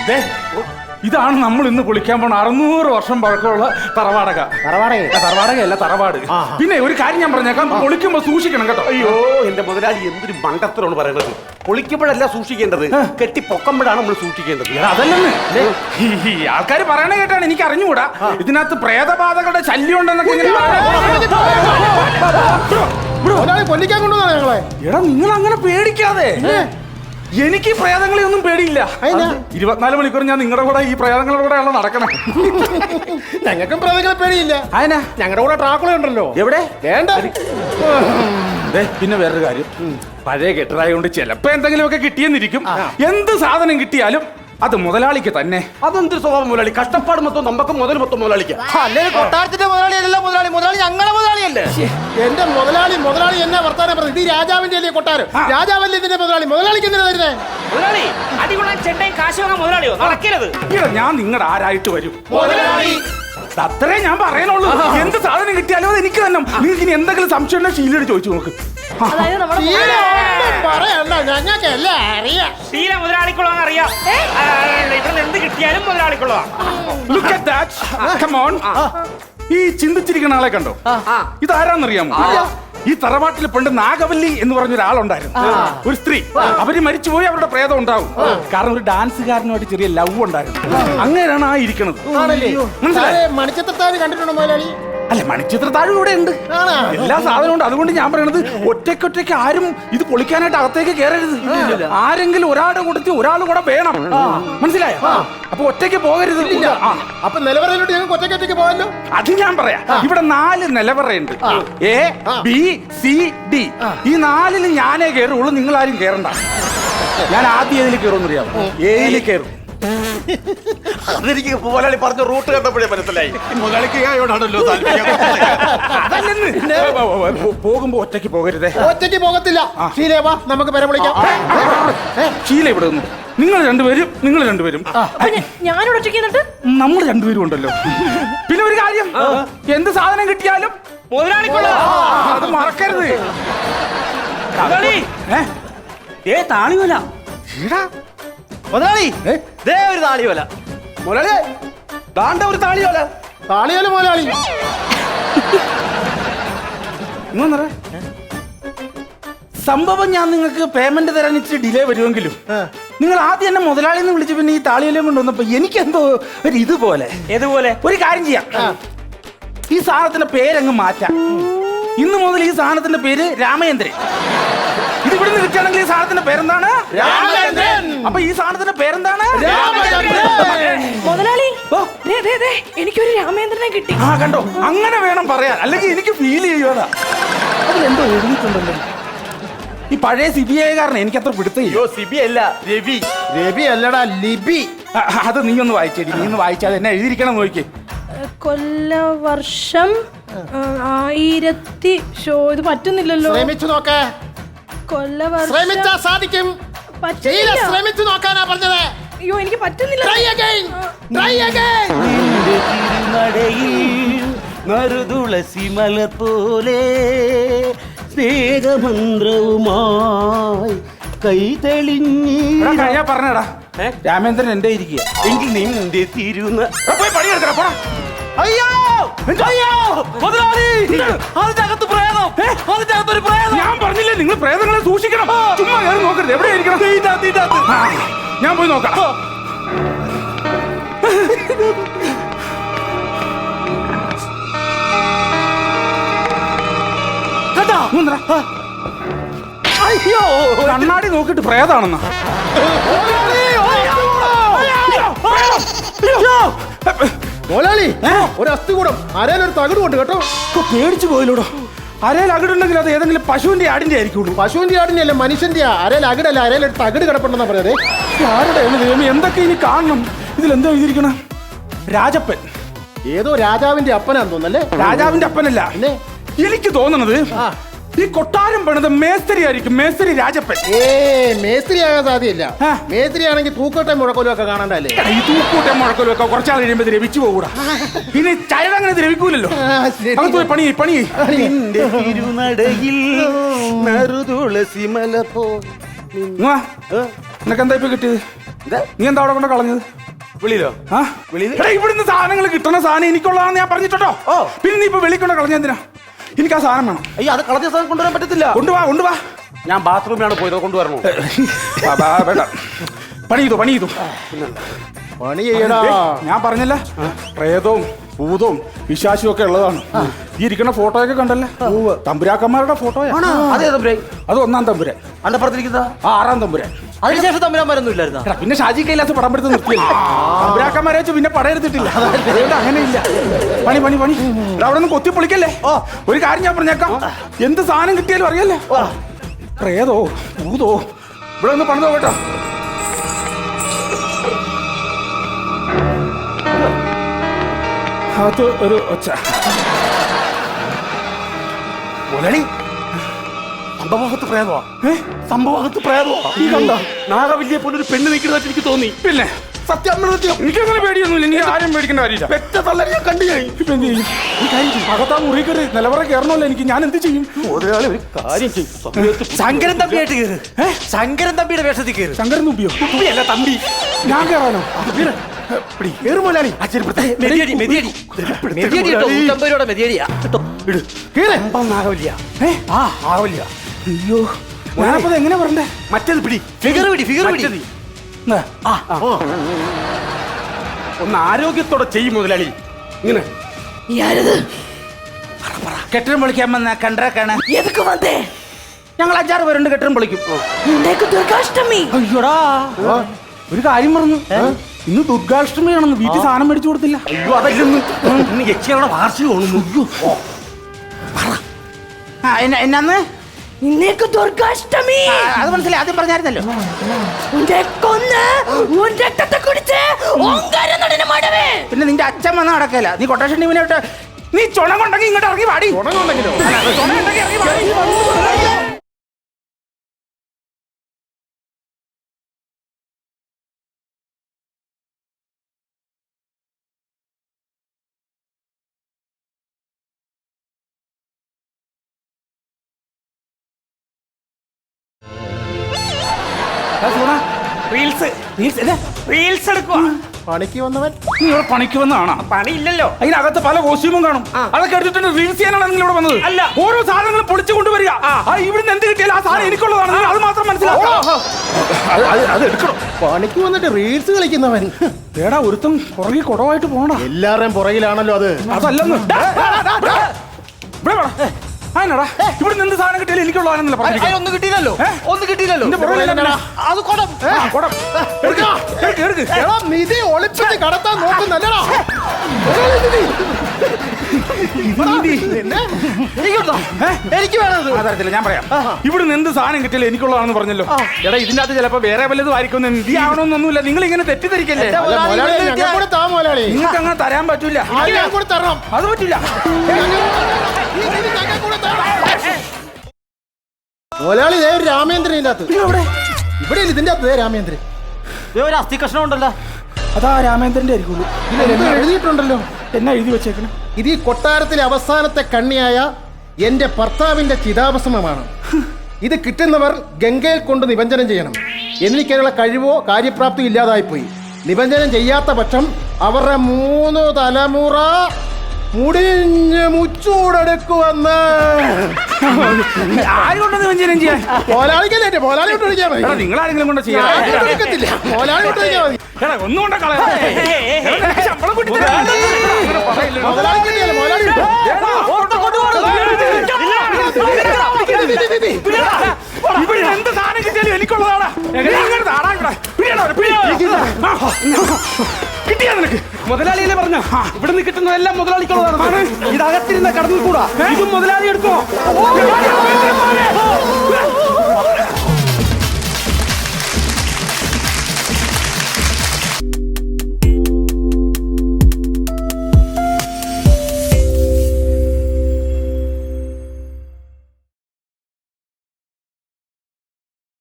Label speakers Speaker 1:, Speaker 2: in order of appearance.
Speaker 1: ഇതാണ് നമ്മൾ ഇന്ന് കുളിക്കാൻ പോണ 600 വർഷം പഴക്കമുള്ള തറവാടക. തറവാടകയല്ല, തറവാട്. പിന്നെ ഒരു കാര്യം ഞാൻ പറഞ്ഞേക്കാം, പൊളിക്കുമ്പോ സൂക്ഷിക്കണം കേട്ടോ.
Speaker 2: അയ്യോ എന്റെ മുതലാളി എന്തൊരു മണ്ടത്തരമാണ് പറയുന്നത്. പൊളിക്കുമ്പോഴല്ല സൂക്ഷിക്കേണ്ടത്, കെട്ടി പൊക്കുമ്പോഴാണ് നമ്മൾ സൂക്ഷിക്കേണ്ടത്.
Speaker 1: അതല്ലെന്ന് ഈ ആൾക്കാർ പറയണ കേട്ടാണ് എനിക്ക് അറിഞ്ഞുകൂടാ. ഇതിനകത്ത് പ്രേതബാധകളുടെ ശല്യം ഉണ്ടെന്നൊക്കെ
Speaker 3: കൊല്ലിക്കാൻ കൊണ്ടുവന്നാ ഞങ്ങളെ.
Speaker 1: എടാ നിങ്ങൾ അങ്ങനെ പേടിക്കാതെ. എനിക്ക് പ്രേതങ്ങളെ ഒന്നും പേടിയില്ല. 24 മണിക്കൂർ ഞാൻ നിങ്ങളുടെ കൂടെ ഈ പ്രേതങ്ങളുടെ കൂടെയാണല്ലോ നടക്കണം.
Speaker 3: ഞങ്ങൾക്കും പ്രേതങ്ങളെ പേടിയില്ല.
Speaker 1: അതിനാ
Speaker 3: ഞങ്ങളുടെ കൂടെ ട്രാക്കുള ഉണ്ടല്ലോ.
Speaker 1: എവിടെ
Speaker 3: വേണ്ട.
Speaker 1: പിന്നെ വേറൊരു കാര്യം, പഴയ കെട്ടറായോണ്ട് ചിലപ്പോ എന്തെങ്കിലുമൊക്കെ കിട്ടിയെന്നിരിക്കും. എന്ത് സാധനം കിട്ടിയാലും അത് മുതലാളിക്ക് തന്നെ.
Speaker 2: അതെന്തൊരു സ്വഭാവം മുതലാളി? കഷ്ടപ്പാട് മൊത്തം നമുക്ക്, മുതൽ മൊത്തം മുതലാളിക്ക്.
Speaker 3: അല്ലെങ്കിൽ കൊട്ടാരത്തിന്റെ മുതലാളിയല്ല മുതലാളി. മുതലാളി ഞങ്ങളെ മുതലാളിയല്ലേ. എന്റെ മുതലാളി എന്നാ വർത്താനം പറഞ്ഞത്? ഇത് രാജാവിന്റെ അല്ലേ കൊട്ടാരം? രാജാവല്ലേ ഇതിന്റെ മുതലാളി? മുതലാളിക്ക് എന്തിനാ തരുന്നേ?
Speaker 4: മുതലാളി അടികൊള്ളാൻ ചെണ്ടയും കാശ് വാങ്ങാൻ മുതലാളിയോ? നടക്കരുത്.
Speaker 1: ഞാൻ നിങ്ങളുടെ ആരായിട്ട് വരും?
Speaker 3: മുതലാളി.
Speaker 1: അത്രേ ഞാൻ പറയാനുള്ളൂ. എന്ത് സാധനം കിട്ടിയാലും അത് എനിക്ക് തന്നെ. നിങ്ങൾക്ക് ഇനി എന്തെങ്കിലും സംശയം ഉണ്ടെങ്കിൽ ഷീലയോട് ചോദിച്ചു നോക്ക്.
Speaker 3: പറയണ്ട, ഞങ്ങൾക്കല്ല അറിയാം.
Speaker 4: ശീല മുതലാളിക്കുള്ളതെന്ന് അറിയാം. ഇവിടെ എന്ത് കിട്ടിയാലും മുതലാളിക്കുള്ളതാ.
Speaker 1: Look at that. Come on. ഈ ചിന്തിച്ചിരിക്കുന്ന ആളെ കണ്ടോ? ഇതാരാന്നറിയാമോ? ഈ തറവാട്ടിൽ പണ്ട് നാഗവല്ലി എന്ന് പറഞ്ഞ ഒരാളുണ്ടായിരുന്നു, ഒരു സ്ത്രീ. അവര് മരിച്ചുപോയി, അവരുടെ പ്രേതം ഉണ്ടാവും. കാരണം ഒരു ഡാൻസുകാരനുമായിട്ട് ചെറിയ ലവ് ഉണ്ടായിരുന്നു. അങ്ങനെയാണ് ആ ഇരിക്കുന്നത്.
Speaker 3: മണിച്ചിത്രത്താഴ് കണ്ടിട്ടുണ്ടോ മുതലാളി?
Speaker 1: അല്ല, മണിച്ചിത്രത്താഴ് ഇവിടെ ഉണ്ട്, എല്ലാ സാധനവും ഉണ്ട്. അതുകൊണ്ട് ഞാൻ പറയണത് ഒറ്റയ്ക്കൊറ്റയ്ക്ക് ആരും ഇത് പൊളിക്കാനായിട്ട് അകത്തേക്ക് കയറരുത്. ആരെങ്കിലും ഒരാളുടെ കൂട്ടത്തിൽ ഒരാൾ കൂടെ വേണം, മനസ്സിലായോ? അപ്പൊ ഒറ്റയ്ക്ക് പോകരുത്.
Speaker 3: അപ്പൊ നിലവറയിലോട്ട് ഞങ്ങൾക്ക് ഒറ്റയ്ക്കൊറ്റയ്ക്ക് പോകാമല്ലോ.
Speaker 1: അത് ഞാൻ പറയാം. ഇവിടെ 4 നിലവറയുണ്ട്, A, B, C, D. ഈ 4ലും ഞാനേ കയറുള്ളൂ, നിങ്ങൾ ആരും കയറണ്ട. ഞാൻ ആദ്യം ഏതിൽ കയറുമെന്ന് അറിയാമോ? Aയിൽ കയറും.
Speaker 2: അതെനിക്ക് മുതലാളി പറഞ്ഞ റൂട്ട് കണ്ടപ്പോഴേ മനസ്സിലായി. മുതലാളിക്ക് ആയോടാണല്ലോ
Speaker 1: പോകുമ്പോ ഒറ്റയ്ക്ക് പോകരുതേ.
Speaker 3: ഒറ്റയ്ക്ക് പോകത്തില്ല. ശീലേവാ, നമുക്ക് പേരെ വിളിക്കാം.
Speaker 1: ശീല ഇവിടെ നിന്നു. നിങ്ങൾ രണ്ടുപേരും
Speaker 5: ഞാനോട് ഒറ്റയ്ക്ക്
Speaker 1: നമ്മൾ രണ്ടുപേരും ഉണ്ടല്ലോ. പിന്നെ ഒരു കാര്യം, എന്ത് സാധനം കിട്ടിയാലും
Speaker 4: മുതലാളിക്കുള്ളതാ,
Speaker 1: അത് മറക്കരുത്.
Speaker 4: താളിവല
Speaker 2: മുതലാളി, ദേ ഒരു താളിയോല. മുതലാളി ദാണ്ട ഒരു താളിയോല.
Speaker 3: താളിയോല മുതലാളി.
Speaker 1: സംഭവം ഞാൻ നിങ്ങൾക്ക് പേയ്മെന്റ് തരാൻ ഇച്ചിരി ഡിലേ വരുമെങ്കിലും നിങ്ങൾ ആദ്യം എന്നെ മുതലാളി എന്ന് വിളിച്ച് പിന്നെ ഈ താളിയോലയും കൊണ്ടുവന്നപ്പോ എനിക്കെന്തോ ഒരു ഇതുപോലെ.
Speaker 4: ഏതുപോലെ?
Speaker 1: ഒരു കാര്യം ചെയ്യാം, ഈ സാധനത്തിന്റെ പേരങ്ങ് മാറ്റാം. ഇന്ന് മുതൽ ഈ സാധനത്തിന്റെ പേര് രാമചന്ദ്രൻ. ഇത് ഇവിടുന്ന് കിട്ടുകയാണെങ്കിൽ ഈ സാധനത്തിന്റെ പേരെന്താണ്?
Speaker 3: രാമചന്ദ്രൻ.
Speaker 1: അപ്പൊ ഈ സാധനത്തിന്റെ പേരെന്താണ്?
Speaker 5: മുതലാളി, എനിക്കൊരു രാമചന്ദ്രനെ കിട്ടി.
Speaker 1: കണ്ടോ, അങ്ങനെ വേണം പറയാൻ, അല്ലെങ്കിൽ എനിക്ക് ഫീൽ ചെയ്യുവാ. അതിലെന്തോ എഴുതിയിട്ടുണ്ടല്ലോ. ഈ പഴയ CBI കാരനെ എനിക്ക് അത്ര പിടുത്തയോ.
Speaker 2: സിബി അല്ല, രവി.
Speaker 3: രവി അല്ലടാ, ലിബി.
Speaker 1: അത് നീ ഒന്ന് വായിച്ചേരി. നീ ഒന്ന് വായിച്ചാൽ എന്നെ എഴുതിയിരിക്കണം നോക്കി.
Speaker 5: കൊല്ലവർഷം 1000. ഇത് പറ്റുന്നില്ലല്ലോ.
Speaker 3: ശ്രമിച്ചു നോക്കേ.
Speaker 5: കൊല്ലവർഷം
Speaker 3: ശ്രമിച്ചാ സാധിക്കും. ശ്രമിച്ചു നോക്കാനാ പറഞ്ഞത്.
Speaker 5: അയ്യോ, എനിക്ക് പറ്റുന്നില്ല.
Speaker 3: Try again. Try again.
Speaker 2: നറുതുളസി മലർ പോലെ സ്നേഹമന്ത്രവുമായി കൈ തെളിഞ്ഞി.
Speaker 1: ഞാൻ പറഞ്ഞടാ, രാമേന്ദ്രൻ എന്റെ ഇരിക്കുക.
Speaker 2: എങ്കിൽ നിന്റെ തിരുന്ന
Speaker 1: പോയി പണിയെടുക്കണ പോടാ.
Speaker 2: അയ്യോ അയ്യോ മുതലാളി, അതിനകത്ത് പ്രേതം, അതിനകത്തൊരു പ്രേതം.
Speaker 1: ഞാൻ പറഞ്ഞില്ലേ നിങ്ങൾ പ്രേതങ്ങളെ സൂക്ഷിക്കണം. ചുമ്മാ കയറി നോക്കരുത്. എവിടെയായിരിക്കണം? ഞാൻ പോയി നോക്കാം.
Speaker 2: അയ്യോ,
Speaker 1: കണ്ണാടി നോക്കിട്ട് പ്രേതാണെന്നാ.
Speaker 3: മോലാളി, ഒരു അസ്ഥികൂടം അരയിലൊരു തകിട് കൊണ്ട് കേട്ടോ.
Speaker 1: പേടിച്ചു പോയില്ലൂടോ. അരയിൽ അകിടുണ്ടെങ്കിൽ അത് ഏതെങ്കിലും പശുവിന്റെ ആടിന്റെ ആയിരിക്കുള്ളൂ.
Speaker 3: പശുവിന്റെ ആടിന്റെ അല്ല, മനുഷ്യന്റെ. അരയിൽ അകിടല്ല, അരയിലൊരു തകിട് കിടപ്പുണ്ടെന്നാ പറഞ്ഞത്.
Speaker 1: ആരുടെ എന്തൊക്കെ ഇനി കാണണം. ഇതിലെന്താ എഴുതിയിരിക്കണം? രാജപ്പൻ.
Speaker 3: ഏതോ രാജാവിന്റെ അപ്പനാന്ന് തോന്നല്ലേ?
Speaker 1: രാജാവിന്റെ അപ്പനല്ല, എനിക്ക് തോന്നണത് ഈ കൊട്ടാരം പണിത് മേസ്ത്രി ആയിരിക്കും. മേസ്ത്രി രാജപ്പൻ.
Speaker 3: മേസ്ത്രി ആകാൻ സാധ്യല്ല. മേസ്ത്രി ആണെങ്കിൽ തൂക്കോട്ടയും മുഴക്കോലും ഒക്കെ കാണണ്ടല്ലേ?
Speaker 1: ഈ തൂക്കൂട്ടയും മുഴക്കോലും ഒക്കെ കുറച്ചാൾ കഴിയുമ്പോ ദ്രവിച്ചു പോകൂടാ. പിന്നെ ചരട് അങ്ങനെ ദ്രവിക്കൂലല്ലോ. പണി
Speaker 2: തിരുനടയിൽ നറുതുളസി മല പോ.
Speaker 1: നിനക്ക് എന്താ ഇപ്പൊ കിട്ടിയത്? നീ എന്താ അവിടെ കൊണ്ട് കളഞ്ഞത്?
Speaker 2: വെളിയിലോ?
Speaker 1: ആ
Speaker 2: വെളിയിൽ?
Speaker 1: എടാ, ഇവിടുന്ന് സാധനങ്ങൾ കിട്ടുന്ന സാധനം എനിക്കുള്ളതാണെന്ന് ഞാൻ പറഞ്ഞിട്ടോ. പിന്നെ നീ ഇപ്പൊ വെളിക്കൊണ്ട് കളഞ്ഞ എന്തിനാ? എനിക്ക് ആ സാധനം വേണം.
Speaker 2: അയ്യോ, അത് കളഞ്ഞ സാധനം കൊണ്ടുവരാൻ പറ്റത്തില്ല.
Speaker 1: കൊണ്ടുവാ.
Speaker 2: ഞാൻ ബാത്റൂമിലാണ് പോയത്, കൊണ്ടുവരണോ?
Speaker 1: വേണ്ട, പണി ചെയ്തു.
Speaker 3: പണി ചെയ്യടാ.
Speaker 1: ഞാൻ പറഞ്ഞല്ല, പ്രേതവും ഭൂതവും വിശ്വാസവും ഒക്കെ ഉള്ളതാണ്. ഈ ഇരിക്കുന്ന ഫോട്ടോയൊക്കെ കണ്ടല്ലേ, തമ്പുരാക്കന്മാരുടെ ഫോട്ടോയാ.
Speaker 2: അതേ തമ്പുരാൻ?
Speaker 1: അത് 1-ം തമ്പുരാൻ.
Speaker 2: അന്റെ പുറത്തിരിക്കുന്ന
Speaker 1: 6-ം തമ്പുരാൻ.
Speaker 2: അതിനുശേഷം തമ്പുരാന്മാരൊന്നും ഇല്ലായിരുന്ന?
Speaker 1: എടാ, പിന്നെ ഷാജി കൈലാസ് പടം എടുത്ത് നിർത്തിയില്ല. തമ്പുരാക്കന്മാരെ വെച്ച് പിന്നെ പടം എടുത്തിട്ടില്ല. അതുകൊണ്ട് അങ്ങനെ ഇല്ല. പണി എടാ, അവിടെ നിന്ന് കൊത്തി പൊളിക്കല്ലേ. ഒരു കാര്യം ഞാൻ പറഞ്ഞേക്കാം, എന്ത് സാധനം കിട്ടിയാലും അറിയല്ലേ, പ്രേതോ ഭൂതോ ഇവിടെ ഒന്ന് പണിതോ കേട്ടോ. അത് ഒരു ഒച്ച.
Speaker 2: മുതലാളി, സംഭവത്ത് പ്രേതമാ. സംഭവത്ത് പ്രേതമാ.
Speaker 1: ഈ കണ്ടോ?
Speaker 2: നാഗവല്ലിയെ പോലെ ഒരു പെണ്ണ് നിൽക്കുന്നതായിട്ട് എനിക്ക് തോന്നി.
Speaker 1: പിന്നെ
Speaker 2: സത്യം
Speaker 1: എനിക്കങ്ങനെ പേടിയൊന്നുമില്ല. എനിക്ക് ആരും പേടിക്കേണ്ട കാര്യമില്ല.
Speaker 2: പെറ്റ തള്ളനെ ഞാൻ കണ്ടു കഴിഞ്ഞു.
Speaker 1: ഇപ്പൊ എന്ത് ചെയ്യും? അകത്താ മുറി കയറി നിലവറ കയറണമല്ലോ എനിക്ക്. ഞാൻ എന്ത് ചെയ്യും?
Speaker 2: മുതലാളി ഒരു കാര്യം ചെയ്യും. ശങ്കരൻ തമ്പിയായിട്ട് കയറ്. ശങ്കരൻ തമ്പിയുടെ വേഷത്തിൽ കയറ്.
Speaker 1: ശങ്കരൻ തുമ്പിയോ?
Speaker 2: തുമ്പിയല്ല, തമ്പി.
Speaker 1: ഞാൻ കയറാനോ?
Speaker 2: കേറ് മുതലാളി. നാഗവല്ലിയ. നാഗവല്ലിയ.
Speaker 1: അയ്യോ, ഞാനപ്പോ എങ്ങനെ പറഞ്ഞേ?
Speaker 2: മറ്റേത് പിടി. ഫിഗർ പിടി. ഒന്ന് ആരോഗ്യത്തോടെ ചെയ്യും മുതലാളി. ഇങ്ങനെ
Speaker 1: കെട്ടിടം പൊളിക്കാൻ വന്ന കണ്ടേക്കാണ്.
Speaker 5: എതൊക്കെ വന്നേ?
Speaker 1: ഞങ്ങൾ 5-6 പേരുണ്ട്, കെട്ടിടം പൊളിക്കും.
Speaker 5: ഇന്നേക്ക് ദുർഗാഷ്ടമി.
Speaker 1: അയ്യോടാ, ഒരു കാര്യം പറഞ്ഞു, ഇന്ന് ദുർഗാഷ്ടമിയാണെന്ന്. വീട്ടിൽ സാധനം മേടിച്ചു കൊടുത്തില്ല.
Speaker 2: അയ്യോ, അതല്ലെന്ന്. ഇന്ന് യക്ഷികളുടെ വാർഷികമാണെന്ന്.
Speaker 1: എന്നാന്ന്?
Speaker 5: ഇന്നേക്ക് ദുർഗാഷ്ടമി.
Speaker 1: അത് മനസ്സിലായി, ആദ്യം പറഞ്ഞായിരുന്നല്ലോ. പിന്നെ നിന്റെ അച്ഛൻ വന്ന നടക്കല. നീ കൊട്ടേഷൻ ടീമിനോട്ട് നീ ചുണം കൊണ്ടെങ്കിൽ ഇങ്ങോട്ട് ഇറങ്ങി വാടി.
Speaker 4: റീൽസ് എടുക്കുക.
Speaker 3: പണിക്ക് വന്നവൻ
Speaker 1: നീ ഇവിടെ പണിക്ക് വന്നതാണോ?
Speaker 4: പണിയില്ലല്ലോ.
Speaker 1: അതിനകത്ത് പല കോസ്റ്റ്യൂമും കാണും. അതൊക്കെ എടുത്തിട്ട് റീൽസ് ചെയ്യാനാണ് നിങ്ങൾ ഇവിടെ വന്നത്?
Speaker 4: അല്ല.
Speaker 1: ഓരോ സാധനങ്ങളും പൊളിച്ചു കൊണ്ടുവരിക. ഇവിടുന്ന് എന്ത് കിട്ടിയാലും ആ സാധനം എനിക്കുള്ളതാണ്. നിങ്ങൾ അത് മാത്രം മനസ്സിലാക്കണം. അത് എടുക്കണം.
Speaker 3: പണിക്ക് വന്നിട്ട് റീൽസ് കളിക്കുന്നവൻ.
Speaker 1: ഏടാ, ഒരുത്തം പുറകെ കുടവായിട്ട് പോണ.
Speaker 3: എല്ലാവരുടെയും പുറകിലാണല്ലോ അത്.
Speaker 1: അതല്ലെന്ന്. അതിനടാ, ഇവിടുന്ന് എന്ത് സാധനം കിട്ടിയാലും എനിക്കുള്ളതാണെന്നല്ല പറഞ്ഞു.
Speaker 2: ഒന്നും കിട്ടിയില്ലല്ലോ. അത് കൊടം.
Speaker 3: നിധി ഒളിപ്പിച്ച് കടത്താൻ നോക്കുന്നല്ലടാ.
Speaker 2: എനിക്ക് വേണത്.
Speaker 1: അതറിയത്തില്ല, ഞാൻ പറയാം. ഇവിടുന്ന് എന്ത് സാധനം കിട്ടിയാലും എനിക്കുള്ളതാണെന്ന് പറഞ്ഞല്ലോ. എടാ, ഇതിന്റെ അകത്ത് ചിലപ്പോ വേറെ വല്ലതും ആയിരിക്കും. നിധി ആവണമെന്നൊന്നുമില്ല. നിങ്ങൾ ഇങ്ങനെ തെറ്റിദ്ധരിക്കല്ലേ. നിങ്ങൾക്ക് അങ്ങനെ തരാൻ പറ്റൂല.
Speaker 3: തരണം.
Speaker 1: അത് പറ്റില്ല.
Speaker 3: മുതലാളി രാമേന്ദ്രൻ ഇതിന്റെ അകത്ത്. ഇവിടെ ഇതിന്റെ അകത്ത് രാമേന്ദ്രൻ.
Speaker 2: ഒരു അസ്ഥി കഷ്ണം ഉണ്ടല്ലോ.
Speaker 1: അതാ രാമേന്ദ്രന്റെ ആയിരിക്കുള്ളൂ.
Speaker 3: എഴുതിയിട്ടുണ്ടല്ലോ.
Speaker 1: എന്നാ എഴുതി വെച്ചേക്കണം?
Speaker 3: ഇത് ഈ കൊട്ടാരത്തിലെ അവസാനത്തെ കണ്ണിയായ എന്റെ ഭർത്താവിന്റെ ചിതാഭസ്മമാണ്. ഇത് കിട്ടുന്നവർ ഗംഗയിൽ കൊണ്ട് നിബഞ്ജനം ചെയ്യണം. എനിക്കതിനുള്ള കഴിവോ കാര്യപ്രാപ്തിയോ ഇല്ലാതായിപ്പോയി. നിബഞ്ജനം ചെയ്യാത്ത പക്ഷം അവരുടെ 3 തലമുറ മുടിഞ്ഞ് മുച്ചൂടെടുക്കുവന്ന്.
Speaker 1: ആരുകൊണ്ടത് വ്യഞ്ജനം ചെയ്യാൻ?
Speaker 3: പോലാളിക്കല്ലേ, പോലാളി കൊണ്ട് വിളിക്കാൻ മതി.
Speaker 1: നിങ്ങൾ ആരെങ്കിലും കൊണ്ട് ചെയ്യാൻ?
Speaker 3: പോലാളി കൊണ്ട് വിളിക്കാൻ മതി.
Speaker 1: ഒന്നും കൊണ്ട് കളയാ. ശമ്പളം കൂട്ടി
Speaker 3: മുതലാളിക്കല്ലേ, പോലാളി
Speaker 1: ഇവിടെ എന്ത് സാധനം കിട്ടിയാലും എനിക്കുള്ളതാണ്. കിട്ടിയാ നിനക്ക്?
Speaker 2: മുതലാളിയെ പറഞ്ഞ ഇവിടുന്ന് കിട്ടുന്നതെല്ലാം മുതലാളിക്കുള്ളതാണ്. ഇതകത്തിരുന്ന കടന്നിൽ കൂടാ. ഇതും മുതലാളി എടുക്കോ?